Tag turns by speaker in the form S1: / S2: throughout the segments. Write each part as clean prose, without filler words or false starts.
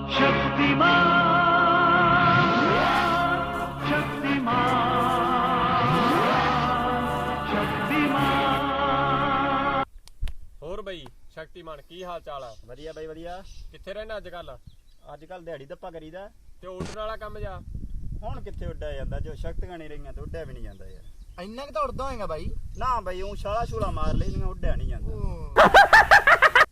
S1: ਹੋਰ ਬਈ ਸ਼ਕਤੀਮਾਨ ਕੀ ਹਾਲ ਚਾਲ ਆ?
S2: ਵਧੀਆ ਬਾਈ ਵਧੀਆ।
S1: ਕਿੱਥੇ ਰਹਿਣਾ ਅੱਜ ਕੱਲ
S2: ਦਿਹਾੜੀ ਦੱਪਾ ਕਰੀਦਾ
S1: ਤੇ ਉੱਡਣ ਵਾਲਾ ਕੰਮ ਜਾ
S2: ਹੁਣ ਕਿੱਥੇ ਉੱਡਿਆ ਜਾਂਦਾ, ਜੋ ਸ਼ਕਤੀਆਂ ਨਹੀਂ ਰਹੀਆਂ ਤੇ ਉੱਡਿਆ ਵੀ ਨਹੀਂ ਜਾਂਦਾ ਯਾਰ।
S3: ਇੰਨਾ ਕਿ ਤਾਂ ਉੜਦਾ ਹੋਏਗਾ ਬਾਈ।
S2: ਨਾ ਬਾਈ ਉਹ ਛਾਲਾ ਛੂਲਾ ਮਾਰ ਲੈਂਦੀਆਂ, ਉੱਡਿਆ ਨਹੀਂ ਜਾਂਦਾ।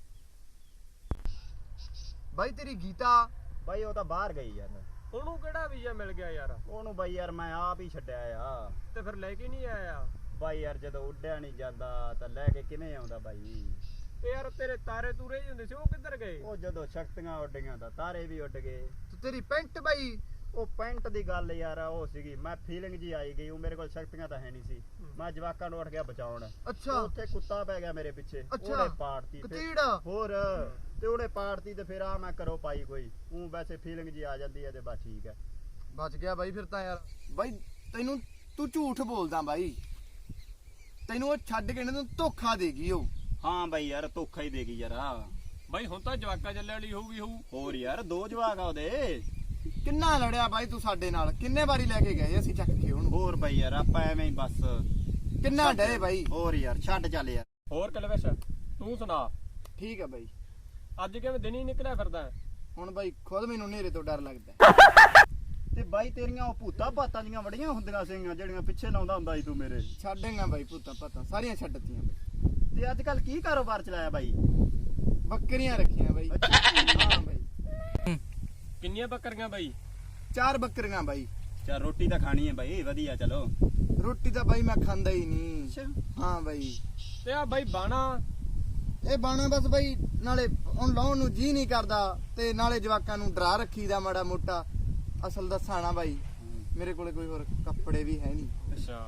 S3: ਬਾਈ ਤੇਰੀ ਗੀਤਾ
S2: ਬਾਈ ਉਹ ਤਾਂ ਬਾਹਰ ਗਈ ਯਾਰ।
S1: ਉਹਨੂੰ ਕਿਹੜਾ ਵੀਜ਼ਾ ਮਿਲ ਗਿਆ ਯਾਰ?
S2: ਉਹਨੂੰ ਬਾਈ ਯਾਰ ਮੈਂ ਆਪ ਹੀ ਛੱਡਿਆ ਆ।
S1: ਤੇ ਫਿਰ ਲੈ ਕੇ ਨਹੀਂ ਆਇਆ?
S2: ਬਾਈ ਯਾਰ ਜਦੋਂ ਉੱਡਿਆ ਨਹੀਂ ਜਾਂਦਾ ਤਾਂ ਲੈ ਕੇ ਕਿਵੇਂ ਆਉਂਦਾ ਬਾਈ?
S1: ਤੇ ਯਾਰ ਤੇਰੇ ਤਾਰੇ ਤੂਰੇ ਹੀ ਹੁੰਦੇ ਸੀ, ਉਹ ਕਿੱਧਰ ਗਏ?
S2: ਉਹ ਜਦੋਂ ਸ਼ਕਤੀਆਂ ਉੱਡ ਗਈਆਂ ਤਾਂ ਤਾਰੇ ਵੀ ਉੱਡ ਗਏ।
S3: ਤੇ ਤੇਰੀ ਪੈਂਟ ਬਾਈ?
S2: ਉਹ ਪੈਂਟ ਦੀ ਗੱਲ ਯਾਰ ਉਹ ਸੀਗੀ, ਮੈਂ ਫੀਲਿੰਗ ਜੀ ਆਈ ਗਈ। ਉਹ ਮੇਰੇ ਕੋਲ ਸ਼ਕਤੀਆਂ ਤਾਂ ਹੈ ਨਹੀਂ ਸੀ। ਮੈਂ ਜਵਾਕਾਂ ਨੂੰ ਉੱਠ ਗਿਆ ਬਚਾਉਣ।
S3: ਅੱਛਾ।
S2: ਉੱਥੇ ਕੁੱਤਾ ਪੈ ਗਿਆ ਮੇਰੇ ਪਿੱਛੇ,
S3: ਅੱਛਾ।
S2: ਉਹਨੇ ਪਾੜਤੀ
S3: ਕਤੀੜਾ
S2: ਹੋਰ ਤੇ ਉਹਨੇ ਪਾੜਤੀ ਤੇ ਫਿਰ ਆ ਮੈਂ ਕਰੋ ਪਾਈ ਕੋਈ ਉਹ ਵੈਸੇ ਫੀਲਿੰਗ ਜੀ ਆ ਜਾਂਦੀ ਹੈ ਤੇ ਬਸ ਠੀਕ ਹੈ।
S3: ਬਚ ਗਿਆ ਬਾਈ ਫਿਰ ਤਾਂ ਯਾਰ। ਬਾਈ ਤੈਨੂੰ ਤੂੰ ਝੂਠ ਬੋਲਦਾ ਬਾਈ, ਤੈਨੂੰ ਉਹ ਛੱਡ ਕੇ ਨਾ ਧੋਖਾ ਦੇਗੀ ਉਹ।
S2: ਹਾਂ ਬਾਈ ਯਾਰ ਧੋਖਾ ਹੀ ਦੇਗੀ ਯਾਰ।
S1: ਬਾਈ ਹੁਣ ਤਾਂ ਜਵਾਕਾ ਚੱਲੇ ਵਾਲੀ ਹੋਊਗੀ।
S2: ਹੋਰ ਯਾਰ ਦੋ ਜਵਾਕ ਆ ਉਹਦੇ।
S3: ਕਿੰਨਾ ਲੜਿਆ ਬਾਈ ਤੂੰ ਸਾਡੇ ਨਾਲ, ਕਿੰਨੇ ਵਾਰੀ ਲੈ ਕੇ ਗਏ ਅਸੀਂ ਚੱਕ ਕੇ ਉਹਨੂੰ।
S2: ਹੋਰ ਬਾਈ ਯਾਰ ਆਪਾਂ ਐਵੇਂ ਹੀ ਬਸ
S3: ਕਿੰਨਾ ਡਰੇ ਬਾਈ।
S2: ਹੋਰ ਯਾਰ ਛੱਡ ਚੱਲ ਯਾਰ।
S1: ਹੋਰ ਕਲਵਿਸ਼ ਤੂੰ ਸੁਣਾ?
S3: ਠੀਕ ਆ ਬਾਈ।
S1: ਅੱਜ ਕਿਵੇਂ ਦਿਨ ਹੀ ਨਿਕਲਿਆ ਫਿਰਦਾ?
S3: ਹੁਣ ਬਾਈ ਖੁਦ ਮੈਨੂੰ ਹਨੇਰੇ ਤੋਂ ਡਰ ਲੱਗਦਾ।
S2: ਤੇ ਬਾਈ ਤੇਰੀਆਂ ਉਹ ਭੂਤਾਂ ਭਾਤਾਂ ਦੀਆਂ ਬੜੀਆਂ ਹੁੰਦੀਆਂ ਸੀਗੀਆਂ ਜਿਹੜੀਆਂ ਪਿੱਛੇ ਲਾਉਂਦਾ ਹੁੰਦਾ ਸੀ ਤੂੰ ਮੇਰੇ।
S3: ਛੱਡੇਗਾ ਬਾਈ ਭੂਤਾਂ ਭਾਤਾਂ ਸਾਰੀਆਂ ਛੱਡਤੀਆਂ ਬਾਈ।
S2: ਤੇ ਅੱਜ ਕੱਲ ਕੀ ਕਾਰੋਬਾਰ ਚਲਾਇਆ ਬਾਈ?
S3: ਬੱਕਰੀਆਂ ਰੱਖੀਆਂ ਬਾਈ। ਹਾਂ ਬਾਈ।
S1: ਕਿੰਨੀਆਂ ਬੱਕਰੀਆਂ ਬਾਈ?
S3: 4 ਬੱਕਰੀਆਂ ਬਾਈ।
S2: ਚੱਲ ਰੋਟੀ ਤਾਂ ਖਾਣੀ ਹੈ ਬਾਈ, ਵਧੀਆ ਚਲੋ।
S3: ਰੋਟੀ ਤਾਂ ਬਾਈ ਮੈਂ ਖਾਂਦਾ ਹੀ ਨਹੀਂ। ਹਾਂ ਬਾਈ।
S1: ਤੇ ਆ ਬਾਈ ਬਾਣਾ
S3: ਇਹ ਬਾਣਾ ਬਸ ਬਾਈ ਨਾਲੇ ਹੁਣ ਲਾਉਣ ਨੂੰ ਜੀ ਨਹੀਂ ਕਰਦਾ ਤੇ ਨਾਲੇ ਜਵਾਕਾਂ ਨੂੰ ਡਰਾ ਰੱਖੀਦਾ ਮਾੜਾ ਮੋਟਾ। ਅਸਲ ਦੱਸਾਂ ਨਾ ਬਾਈ ਮੇਰੇ ਕੋਲੇ ਕੋਈ ਹੋਰ ਕੱਪੜੇ ਵੀ ਹੈ ਨਹੀਂ।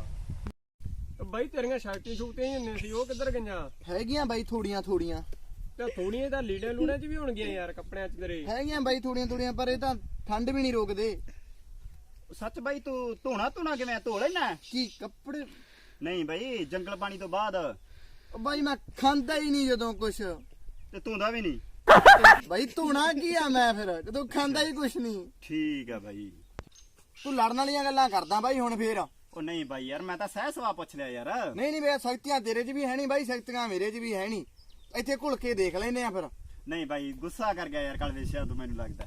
S1: ਅੱਛਾ ਬਾਈ ਤੇਰੀਆਂ ਸ਼ਕਤੀ ਸ਼ੂਕਤੀਆਂ ਹੀ ਹੁੰਦੀਆਂ ਸੀ, ਉਹ ਕਿੱਧਰ ਗਈਆਂ?
S3: ਹੈਗੀਆਂ ਬਾਈ ਥੋੜੀਆਂ ਥੋੜੀਆਂ।
S1: ਤੇ ਥੋੜੀਆਂ ਤਾਂ ਲੀੜੇ ਲੂੜੇ ਚ ਵੀ ਹੋਣਗੀਆਂ ਯਾਰ, ਕੱਪੜਿਆਂ ਚ ਤੇਰੇ।
S3: ਹੈਗੀਆਂ ਬਾਈ ਥੋੜੀਆਂ ਥੋੜੀਆਂ, ਪਰ ਇਹ ਤਾਂ ਠੰਡ ਵੀ ਨਹੀਂ ਰੋਕਦੇ।
S2: ਸੱਚ ਬਾਈ ਤੂੰ ਧੋਣਾ ਕਿਵੇਂ ਧੋ ਲੈਣਾ?
S3: ਕੀ ਕੱਪੜੇ?
S2: ਨਹੀਂ ਬਾਈ ਜੰਗਲ ਪਾਣੀ ਤੋਂ ਬਾਅਦ
S3: ਬਾਈ ਮੈਂ ਖਾਂਦਾ ਹੀ ਨਹੀਂ ਜਦੋਂ ਕੁਛ।
S2: ਤੇ ਧੋਂਦਾ ਵੀ ਨਹੀਂ?
S3: ਬਾਈ ਧੋਣਾ ਕੀ ਆ ਮੈਂ ਫਿਰ ਜਦੋਂ ਖਾਂਦਾ ਹੀ ਕੁਛ ਨਹੀਂ।
S2: ਠੀਕ ਆ ਬਾਈ।
S3: ਤੂੰ ਲੜਨ ਵਾਲੀਆਂ ਗੱਲਾਂ ਕਰਦਾ ਬਾਈ ਹੁਣ ਫੇਰ।
S2: ਉਹ ਨਹੀਂ ਬਾਈ ਯਾਰ ਮੈਂ ਤਾਂ ਸਹਿ ਸਵਾ ਪੁੱਛ ਲਿਆ ਯਾਰ।
S3: ਨਹੀਂ ਮੇਰਾ ਸ਼ਕਤੀਆਂ ਤੇਰੇ 'ਚ ਵੀ ਹੈ ਨਹੀਂ ਬਾਈ, ਸ਼ਕਤੀਆਂ ਮੇਰੇ 'ਚ ਵੀ ਹੈ ਨਹੀਂ। ਇੱਥੇ ਘੁਲ ਕੇ ਦੇਖ ਲੈਨੇ ਆ ਫਿਰ।
S2: ਨਹੀਂ ਬਾਈ ਗੁੱਸਾ ਕਰ ਗਿਆ ਯਾਰ ਕਲਵੇਸ਼ਿਆ ਤੂੰ, ਮੈਨੂੰ ਲੱਗਦਾ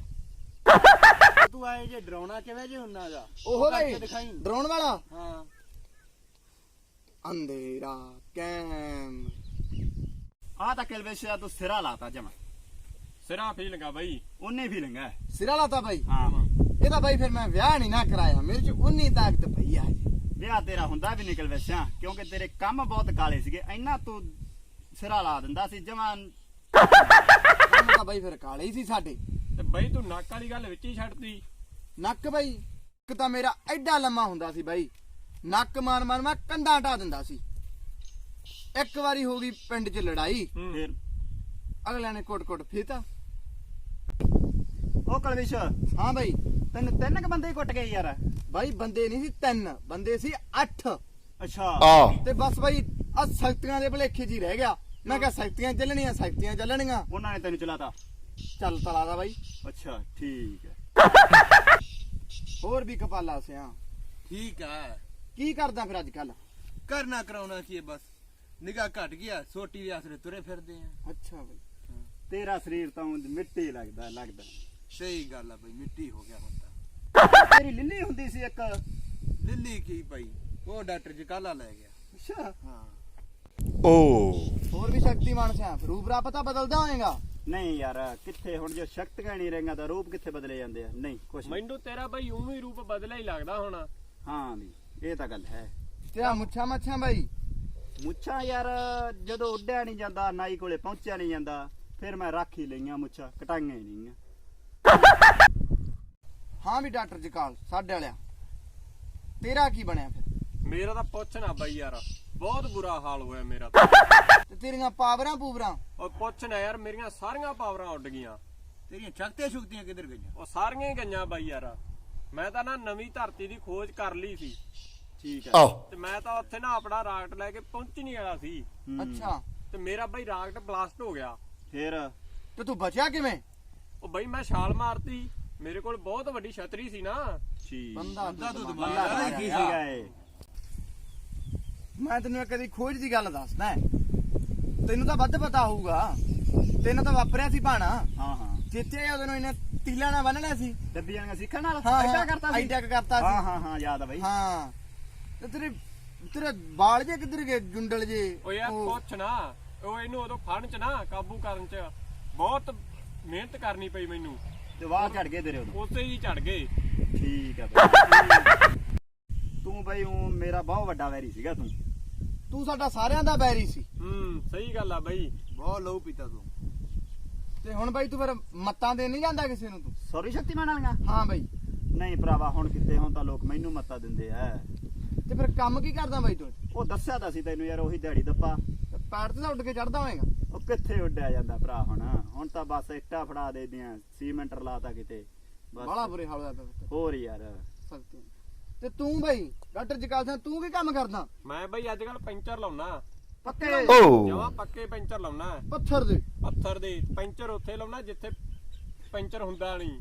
S4: ਤੂੰ ਆਏ ਜੇ ਡਰਾਉਣਾ ਕਿਵੇਂ ਜੇ ਹੁੰਨਾ ਗਾ?
S3: ਉਹ ਬਾਈ
S4: ਦਿਖਾਈ
S3: ਡਰਾਉਣ ਵਾਲਾ।
S4: ਹਾਂ
S3: ਅੰਧੇਰਾ ਕੈਮ।
S2: ਆ ਤਾਂ ਕਲਵੇਸ਼ਿਆ ਤੂੰ ਸਿਰਾ ਲਾਤਾ ਜਮਾ।
S1: ਸਿਰਾ ਫੀਲਿੰਗਾ ਬਾਈ।
S2: ਉਹਨੇ ਫੀਲਿੰਗ ਹੈ।
S3: ਸਿਰਾ ਲਾਤਾ ਬਾਈ।
S2: ਹਾਂ
S3: ਇਹਦਾ ਬਾਈ ਫਿਰ ਮੈਂ ਵਿਆਹ ਨਹੀਂ ਨਾ ਕਰਾਇਆ, ਮੇਰੇ 'ਚ ਉਨੀ ਤਾਕਤ ਪਈ ਆ ਹਜੇ।
S2: ਵਿਆਹ ਤੇਰਾ ਹੁੰਦਾ ਵੀ ਨਿਕਲ ਵੈਸਿਆ ਕਿਉਂਕਿ ਤੇਰੇ ਕੰਮ ਬਹੁਤ ਕਾਲੇ ਸੀਗੇ, ਇੰਨਾ ਤੂੰ ਸਿਰਾ ਲਾ ਦਿੰਦਾ ਸੀ ਜਮਾਂ।
S3: ਕੰਮ ਤਾਂ ਬਾਈ ਫਿਰ ਕਾਲੇ ਹੀ ਸੀ ਸਾਡੇ।
S1: ਤੇ ਬਾਈ ਤੂੰ ਨੱਕ ਵਾਲੀ ਗੱਲ ਵਿੱਚ ਹੀ ਛੱਡਤੀ।
S3: ਨੱਕ ਬਾਈ ਇੱਕ ਤਾਂ ਮੇਰਾ ਐਡਾ ਲੰਮਾ ਹੁੰਦਾ ਸੀ ਬਾਈ, ਨੱਕ ਮਾਰ ਮਾਰ ਮੈਂ ਕੰਧਾਂ ਢਾ ਦਿੰਦਾ ਸੀ। ਇੱਕ ਵਾਰੀ ਹੋ ਗਈ ਪਿੰਡ 'ਚ ਲੜਾਈ,
S2: ਫਿਰ
S3: ਅਗਲਿਆਂ ਨੇ ਕੁੱਟ ਫੀਤਾ।
S2: ਉਹ ਕਲਵੇਸ਼
S3: ਹਾਂ ਬਾਈ।
S2: ਤੈਨੂੰ 3 ਕ ਬੰਦੇ ਹੀ ਕੁੱਟ ਗਏ ਯਾਰ?
S3: ਬਾਈ ਬੰਦੇ ਨਹੀਂ ਸੀ 3, ਬੰਦੇ ਸੀ 8।
S2: ਅੱਛਾ।
S3: ਤੇ ਬਸ ਬਾਈ ਆ ਸ਼ਕਤੀਆਂ ਦੇ ਭਲੇਖੇ 'ਚ ਹੀ ਰਹਿ ਗਿਆ। ਮੈਂ ਕਿਹਾ ਸ਼ਕਤੀਆਂ ਚੱਲਣੀਆਂ, ਸ਼ਕਤੀਆਂ ਚੱਲਣੀਆਂ।
S2: ਉਹਨਾਂ ਨੇ ਤੈਨੂੰ ਚਲਾਤਾ?
S3: ਚੱਲ ਤਲਾ ਦਾ ਬਾਈ।
S2: ਅੱਛਾ ਠੀਕ ਹੈ।
S3: ਹੋਰ ਵੀ ਕਪਾਲਾ ਸਿਆ।
S4: ਠੀਕ ਆ।
S3: ਕੀ ਕਰਦਾ ਫਿਰ ਅੱਜ ਕੱਲ?
S4: ਕਰਨਾ ਕਰਾਉਣਾ ਕੀ ਹੈ, ਬਸ ਨਿਗਾਹ ਘਟ ਗਿਆ, ਸੋਟੀ ਦੇ ਆਸਰੇ ਤੁਰੇ ਫਿਰਦੇ ਆ।
S3: ਅੱਛਾ ਬਾਈ।
S2: ਤੇਰਾ ਸਰੀਰ ਤਾਂ ਉਂਝ ਮਿੱਟੀ ਲੱਗਦਾ।
S4: ਸਹੀ ਗੱਲ ਆ ਬਈ, ਮਿੱਟੀ ਹੋ ਗਿਆ ਹੁਣ ਤਾਂ।
S2: ਤੇਰੀ ਲਿੱਲੀ ਹੁੰਦੀ ਸੀ ਇੱਕ।
S4: ਲਿੱਲੀ ਕੀ ਪਈ, ਉਹ ਡਾਕਟਰ ਜਕਾਲਾ ਲੈ ਗਿਆ।
S2: ਅੱਛਾ।
S4: ਹਾਂ
S3: ਹੋਰ ਵੀ ਸ਼ਕਤੀਮਾਨ ਸਿਆ, ਰੂਪ ਰਾ ਪਤਾ ਬਦਲਦਾ ਹੋਏਗਾ।
S2: ਨਹੀਂ ਯਾਰ ਕਿੱਥੇ, ਹੁਣ ਜੋ ਸ਼ਕਤੀਆਂ ਨਹੀਂ ਰਹੀਆਂ ਤਾਂ ਰੂਪ ਕਿੱਥੇ ਬਦਲੇ ਜਾਂਦੇ ਆ? ਨਹੀਂ ਕੁਛ ਨਹੀਂ।
S1: ਮੈਨੂੰ ਤੇਰਾ ਬਾਈ ਉਵੇਂ ਹੀ ਰੂਪ ਬਦਲਿਆ ਹੀ ਲੱਗਦਾ ਹੋਣਾ।
S2: ਹਾਂ ਵੀ ਇਹ ਤਾਂ ਗੱਲ ਹੈ।
S3: ਤੇਰਾ ਮੁੱਛਾਂ ਮੱਛਾਂ ਬਾਈ?
S2: ਮੁੱਛਾਂ ਯਾਰ ਜਦੋਂ ਉੱਡਿਆ ਨਹੀਂ ਜਾਂਦਾ, ਨਾਈ ਕੋਲੇ ਪਹੁੰਚਿਆ ਨਹੀਂ ਜਾਂਦਾ, ਫਿਰ ਮੈਂ ਰੱਖ ਹੀ ਲਈਆਂ ਮੁੱਛਾਂ, ਕਟਾਈਆਂ ਹੀ ਨਹੀਂ।
S3: ਹਾਂ ਵੀ ਡਾਕਟਰ ਜਕਾਲ ਸਾਡੇ ਵਾਲਿਆ, ਤੇਰਾ ਕੀ ਬਣਿਆ ਫਿਰ?
S1: ਮੇਰਾ ਤਾਂ ਪੁੱਛ ਨਾ ਬਾਈ ਯਾਰ, ਬਹੁਤ ਬੁਰਾ ਹਾਲ ਹੋਇਆ ਮੇਰਾ ਤਾਂ।
S3: ਤੇ ਤੇਰੀਆਂ ਪਾਵਰਾਂ ਪੂਵਰਾਂ?
S1: ਉਹ ਪੁੱਛ ਨਾ ਯਾਰ, ਮੇਰੀਆਂ ਸਾਰੀਆਂ ਪਾਵਰਾਂ ਉੱਡ ਗਈਆਂ।
S4: ਤੇਰੀਆਂ ਸ਼ਕਤੀਆਂ ਸ਼ੁਕਤੀਆਂ ਕਿੱਧਰ ਗਈਆਂ?
S1: ਉਹ ਸਾਰੀਆਂ ਹੀ ਗਈਆਂ ਬਾਈ ਯਾਰ। ਮੈਂ ਤਾਂ ਨਾ ਨਵੀਂ ਧਰਤੀ ਦੀ ਖੋਜ ਕਰ ਲਈ ਸੀ।
S2: ਠੀਕ ਹੈ।
S1: ਤੇ ਮੈਂ ਤਾਂ ਉੱਥੇ ਨਾ ਆਪਣਾ ਰਾਕਟ ਲੈ ਕੇ ਪਹੁੰਚ ਨਹੀਂ ਵਾਲਾ ਸੀ।
S3: ਅੱਛਾ।
S1: ਤੇ ਮੇਰਾ ਬਾਈ ਰਾਕਟ ਬਲਾਸਟ ਹੋ ਗਿਆ।
S2: ਫਿਰ
S3: ਤੇ ਤੂੰ ਬਚਿਆ ਕਿਵੇਂ?
S1: ਉਹ ਬਈ ਮੈਂ ਛਾਲ ਮਾਰਤੀ, ਮੇਰੇ ਕੋਲ ਬਹੁਤ ਵੱਡੀ ਛਤਰੀ ਸੀ ਨਾ।
S2: ਠੀਕ
S3: ਬੰਦਾ
S4: ਤੂੰ
S3: ਤੂੰ
S4: ਦਿਮਾਗ
S2: ਬੰਦਾ ਕੀ ਸੀਗਾ ਇਹ?
S3: ਮੈਂ ਤੈਨੂੰ ਇੱਕ ਦੀ ਖੋਜ ਦੀ ਗੱਲ ਦੱਸਦਾ ਹੈ। ਤੈਨੂੰ ਤਾਂ ਵੱਧ ਪਤਾ ਹੋਊਗਾ, ਤੈਨੂੰ ਤਾਂ ਵਾਪਰਿਆ ਸੀ ਭਾਣਾ।
S2: ਹਾਂ ਹਾਂ
S3: ਜਿੱਥੇ ਉਹਨੂੰ ਇਹਨੇ ਤੀਲਾ ਨਾਲ ਬੰਨਣਾ ਸੀ।
S2: ਡੱਬੀਆਂ ਨਾਲ ਸਿੱਖਣ ਨਾਲ
S3: ਹਾਂ
S2: ਐਡਾ ਕਰਤਾ ਸੀ।
S3: ਐਡਾ ਕਰਤਾ ਸੀ।
S2: ਹਾਂ ਹਾਂ ਹਾਂ ਯਾਦ ਆ ਬਈ।
S3: ਹਾਂ ਤੇ ਤੇਰੇ ਵਾਲ ਜੇ ਕਿੱਧਰ ਗਏ, ਜੁੰਡਲ ਜੇ।
S1: ਉਹ ਯਾਰ ਪੁੱਛ ਨਾ, ਉਹ ਇਹਨੂੰ ਉਦੋਂ ਫੜਨ ਚ ਨਾ, ਕਾਬੂ ਕਰਨ ਚ ਬਹੁਤ ਮਿਹਨਤ ਕਰਨੀ ਪਈ ਮੈਨੂੰ,
S2: ਤੇ ਵਾਹ ਝੜ ਗਏ ਤੇਰੇ ਉਦੋਂ।
S1: ਉਸੇ ਹੀ ਝੜ ਗਏ।
S2: ਠੀਕ ਆ ਬਈ। ਤੂੰ ਬਈ ਉਹ ਮੇਰਾ ਬਹੁਤ ਵੱਡਾ ਵੈਰੀ ਸੀਗਾ ਤੂੰ।
S3: ਤੂੰ ਸਾਡਾ ਸਾਰਿਆਂ ਦਾ ਬੈਰੀ ਸੀ।
S1: ਸਹੀ ਗੱਲ ਆ ਬਈ।
S4: ਬਹੁਤ ਲਹੂ ਪੀਤਾ ਤੂੰ।
S3: ਤੇ ਹੁਣ ਬਾਈ ਤੂੰ ਫਿਰ ਮੱਤਾਂ ਦੇ ਨਹੀਂ ਜਾਂਦਾ ਕਿਸੇ ਨੂੰ ਤੂੰ?
S2: ਸੌਰੀ ਸ਼ਕਤੀਮਾਨ ਵਾਲੀਆਂ?
S3: ਹਾਂ ਬਾਈ।
S2: ਨਹੀਂ ਭਰਾਵਾ, ਹੁਣ ਕਿਤੇ ਹੁਣ ਤਾਂ ਲੋਕ ਮੈਨੂੰ ਮੱਤਾ ਦਿੰਦੇ ਆ।
S3: ਤੇ ਫਿਰ ਕੰਮ ਕੀ ਕਰਦਾ ਬਾਈ ਤੂੰ?
S2: ਉਹ ਦੱਸਿਆ ਤਾਂ ਸੀ ਤੈਨੂੰ ਯਾਰ, ਉਹੀ ਦਿਹਾੜੀ ਦੱਪਾ।
S3: ਪੈਰ ਤੇ ਤਾਂ ਉੱਡ ਕੇ ਚੜਦਾ ਹੋਏਗਾ।
S2: ਉਹ ਕਿੱਥੇ ਉੱਡਿਆ ਜਾਂਦਾ ਭਰਾ ਹੁਣ ਤਾਂ ਬਸ ਇੱਟਾਂ ਫੜਾ ਦੇ ਦਿਆਂ, ਸੀਮੈਂਟ ਲਾਤਾ ਕਿਤੇ
S3: ਬਾਲਾ ਬੁਰੇ ਹਾਲ ਹੋਇਆ ਪਿਆ।
S2: ਹੋਰ ਯਾਰ।
S3: ਸਕਤੀ। ਤੇ ਤੂੰ ਬਾਈ ਡਾਕਟਰ ਜਕਾਲ ਸਿੰਘ, ਤੂੰ ਕੀ ਕੰਮ ਕਰਦਾ?
S1: ਮੈਂ ਬਈ ਅੱਜ ਕੱਲ ਪੈਂਚਰ ਲਾਉਣਾ,
S3: ਪੱਕੇ
S1: ਜਮਾ ਪੱਕੇ ਪੈਂਚਰ ਲਾਉਣਾ।
S3: ਪੱਥਰ ਦੇ
S1: ਪੱਥਰ ਦੇ ਪੈਂਚਰ ਉੱਥੇ ਲਾਉਣਾ ਜਿੱਥੇ ਪੈਂਚਰ ਹੁੰਦਾ ਨਹੀਂ।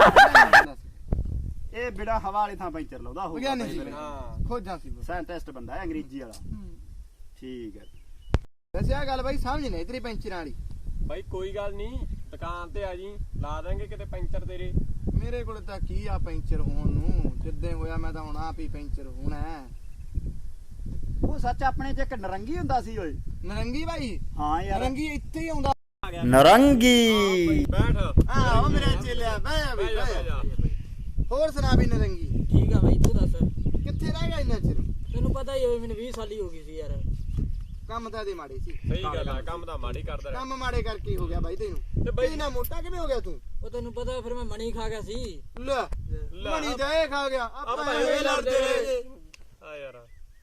S2: ਇਹ ਬਿੜਾ ਹਵਾ ਵਾਲੀ ਥਾਂ ਪੈਂਚਰ ਲਾਉਂਦਾ
S3: ਵਿਗਿਆਨੀ ਸੀ।
S1: ਹਾਂ
S3: ਖੋਜਾਂ ਸੀ ਬਸ।
S2: ਸਾਇੰਟਿਸਟ ਬੰਦਾ ਹੈ, ਅੰਗਰੇਜ਼ੀ ਵਾਲਾ। ਠੀਕ ਹੈ।
S3: ਵੈਸੇ ਆ ਗੱਲ ਬਾਈ ਸਮਝ ਨਹੀਂ ਤੇਰੀ ਪੈਂਚਰਾਂ ਵਾਲੀ।
S1: ਬਾਈ ਕੋਈ ਗੱਲ ਨਹੀਂ, ਦੁਕਾਨ ਤੇ ਆ ਜੀ, ਲਾ ਦਾਂਗੇ ਕਿਤੇ ਪੈਂਚਰ ਤੇਰੇ।
S3: ਮੇਰੇ ਕੋਲ ਤਾਂ ਕੀ ਆ ਪੈਂਚਰ ਹੋਣ ਨੂੰ, ਜਿੱਦੇ ਹੋਇਆ ਮੈਂ ਤਾਂ ਹੁਣ ਆਪ ਹੀ ਪੈਂਚਰ ਹੋਣਾ ਹੈ।
S2: ਉਹ ਸੱਚ ਆਪਣੇ ਚ ਇੱਕ ਨਰੰਗੀ ਹੁੰਦਾ ਸੀ ਓਏ।
S3: ਨਰੰਗੀ ਬਾਈ?
S2: ਹਾਂ ਯਾਰ,
S3: ਨਰੰਗੀ ਇੱਥੇ ਹੀ ਆਉਂਦਾ।
S2: ਨਰੰਗੀ।
S1: ਬੈਠ
S3: ਹਾਂ ਉਹ ਮੇਰਾ ਚੇਲਿਆ ਬਹਿ
S1: ਬਹਿ ਜਾ, ਬਹਿ ਜਾ।
S3: ਹੋਰ ਸੁਣਾ ਵੀ ਨਰੰਗੀ,
S5: ਠੀਕ ਆ ਬਾਈ, ਤੂੰ ਦੱਸ।
S3: ਕਿੱਥੇ ਰਹਿ ਗਿਆ ਇੰਨਾ ਚਿਰ?
S5: ਤੈਨੂੰ ਪਤਾ ਹੀ ਹੋਵੇ, ਮੈਨੂੰ 20 ਸਾਲ ਹੀ ਹੋ ਗਈ ਸੀ ਯਾਰ।
S3: ਕੰਮ ਤਾਂ ਇਹਦੇ ਮਾੜੇ ਸੀ।
S1: ਸਹੀ ਗੱਲ ਆ, ਕੰਮ ਤਾਂ ਮਾੜੀ ਕਰਦਾ ਰਿਹਾ।
S3: ਕੰਮ ਮਾੜੇ ਕਰਕੇ ਹੀ ਹੋ ਗਿਆ ਬਾਈ ਤੈਨੂੰ।
S1: ਤੇ ਬਾਈ-
S3: ਇੰਨਾ ਮੋਟਾ ਕਿਵੇਂ ਹੋ ਗਿਆ ਤੂੰ?
S5: ਉਹ ਤੈਨੂੰ ਪਤਾ ਫਿਰ ਮੈਂ ਮਣੀ ਖਾ ਗਿਆ ਸੀ।
S3: ਲੈ ਮਣੀ ਜਾਏ ਖਾ ਗਿਆ। ਆਪਾਂ ਐਵੇਂ ਲੜਦੇ ਰਹੇ।
S1: ਆ ਯਾਰ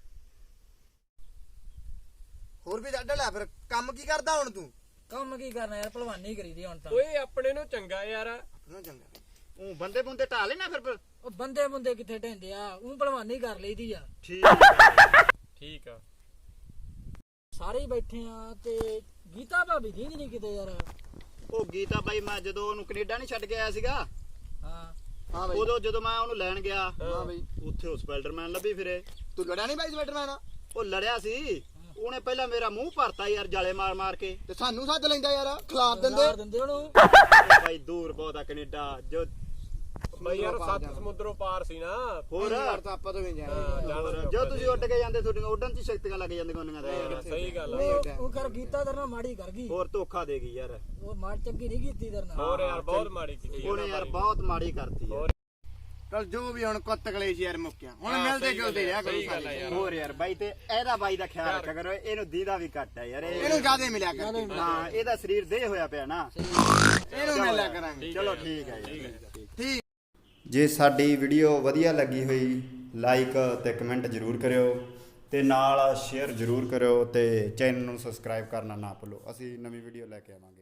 S3: ਹੋਰ ਵੀ ਡੱਡ ਲੈ, ਫਿਰ ਕੰਮ ਕੀ ਕਰਦਾ ਹੁਣ ਤੂੰ?
S5: ਕੰਮ ਕੀ ਕਰਨਾ ਯਾਰ, ਭਲਵਾਨੀ ਕਰੀਦੀ ਹੁਣ ਤਾਂ।
S1: ਓਏ ਆਪਣੇ ਨੂੰ ਚੰਗਾ ਯਾਰ।
S3: ਆਪਣਾ ਚੰਗਾ।
S2: ਉਹ ਬੰਦੇ ਬੁੰਦੇ ਢਾ ਲੈਣਾ ਫਿਰ।
S5: ਉਹ ਬੰਦੇ ਬੰਦੇ ਕਿੱਥੇ ਢਹਿੰਦੇ ਆ, ਉਹ ਭਲਵਾਨੀ ਕਰ ਲਈਦੀ ਆ।
S2: ਠੀਕ ਹੈ।
S1: ਠੀਕ ਆ।
S5: ਸਾਰੇ ਹੀ ਬੈਠੇ ਆ ਤੇ ਗੀਤਾ ਭਾਬੀ ਦੀਂਦੀ ਨਹੀਂ ਕਿਤੇ ਯਾਰ।
S2: ਉਹ ਗੀਤਾ ਬਾਈ, ਮੈਂ ਜਦੋਂ ਉਹਨੂੰ ਕੈਨੇਡਾ ਨਹੀਂ ਛੱਡ ਕੇ ਆਇਆ ਸੀਗਾ,
S5: ਹਾਂ
S3: ਹਾਂ ਬਾਈ।
S2: ਉਦੋਂ ਜਦੋਂ ਮੈਂ ਉਹਨੂੰ ਲੈਣ ਗਿਆ,
S3: ਹਾਂ ਬਾਈ।
S2: ਉੱਥੇ ਉਹ ਸਪਾਈਡਰਮੈਨ ਲੱਭੀ ਫਿਰੇ।
S3: ਤੂੰ ਲੜਿਆ ਨਹੀਂ ਬਾਈ ਸਵੈਟਰਮੈਨ ਨਾਲ?
S2: ਉਹ ਲੜਿਆ ਸੀ, ਉਹਨੇ ਪਹਿਲਾਂ ਮੇਰਾ ਮੂੰਹ ਭਰਤਾ ਯਾਰ ਜਾਲੇ ਮਾਰ ਮਾਰ ਕੇ।
S3: ਤੇ ਸਾਨੂੰ ਸੱਦ ਲੈਂਦਾ ਯਾਰ, ਖਿਲਾਫ ਦਿੰਦੇ।
S5: ਮਾਰ ਦਿੰਦੇ ਉਹਨੂੰ।
S2: ਉਹ ਬਾਈ ਦੂਰ ਬਹੁਤ ਆ ਕੈਨੇਡਾ। ਜੋ
S1: ਬਈ ਯਾਰ 7 ਸਮੁੰਦਰੋਂ ਪਾਰ ਸੀ ਨਾ।
S2: ਹੋਰ
S3: ਯਾਰ ਤਾਂ ਆਪਾਂ ਤੋਂ ਵੀ ਜਾਣਾ।
S2: ਹੋਰ, ਜੋ ਤੁਸੀਂ ਉੱਡ ਕੇ ਜਾਂਦੇ, ਤੁਹਾਡੀਆਂ ਉੱਡਣ ਦੀ ਸ਼ਕਤੀਆਂ ਲੱਗ ਜਾਂਦੀਆਂ ਉਹਨਾਂ ਦੀਆਂ।
S1: ਹਾਂ, ਸਹੀ ਗੱਲ ਆ।
S5: ਉਹ ਕਰ ਗੀਤਾ ਤੇਰੇ ਨਾਲ ਮਾੜੀ ਕਰ ਗਈ।
S2: ਹੋਰ ਧੋਖਾ ਦੇ ਗਈ ਯਾਰ।
S5: ਉਹ ਮਾਰ ਚੰਗੀ ਨਹੀਂ ਕੀਤੀ ਤੇਰੇ ਨਾਲ।
S1: ਹੋਰ ਯਾਰ ਬਹੁਤ ਮਾੜੀ ਕੀਤੀ
S2: ਉਹਨੇ ਯਾਰ ਬਹੁਤ ਮਾੜੀ ਕਰਤੀ ਯਾਰ।
S3: ਚਲ ਜੋ ਵੀ ਹੁਣ ਕੁੱਤ ਕਲੇਸ਼ ਯਾਰ ਮੁੱਕਿਆ, ਹੁਣ
S1: ਹਾਂ,
S3: ਮਿਲਦੇ
S1: ਸਹੀ ਗੱਲ
S3: ਜੁਲਦੇ ਰਿਹਾ ਕਰੋ
S1: ਸਹੀ ਗੱਲ ਆ
S3: ਸਾਰੇ।
S1: ਯਾਰ।
S2: ਹੋਰ ਯਾਰ ਬਾਈ, ਤੇ ਇਹਦਾ ਬਾਈ ਦਾ ਖਿਆਲ ਰੱਖਿਆ ਕਰੋ, ਇਹਨੂੰ ਦੀਦਾ ਵੀ ਘੱਟ ਹੈ ਯਾਰ।
S3: ਇਹਨੂੰ ਜ਼ਿਆਦਾ ਮਿਲਿਆ ਕਰ,
S2: ਹਾਂ, ਇਹਦਾ ਸਰੀਰ ਦੇਹ ਹੋਇਆ ਪਿਆ ਨਾ।
S3: ਇਹਨੂੰ ਮਿਲਿਆ ਕਰਾਂਗੇ।
S2: ਚਲੋ ਠੀਕ ਹੈ ਜੀ।
S3: ਠੀਕ।
S6: ਜੇ ਸਾਡੀ ਵੀਡੀਓ ਵਧੀਆ ਲੱਗੀ ਹੋਈ, ਲਾਈਕ ਤੇ ਕਮੈਂਟ ਜ਼ਰੂਰ ਕਰਿਓ ਤੇ ਨਾਲ ਸ਼ੇਅਰ ਜ਼ਰੂਰ ਕਰਿਓ ਤੇ ਚੈਨਲ ਨੂੰ ਸਬਸਕ੍ਰਾਈਬ ਕਰਨਾ ਨਾ ਭੁੱਲੋ। ਅਸੀਂ ਨਵੀਂ ਵੀਡੀਓ ਲੈ ਕੇ ਆਵਾਂਗੇ।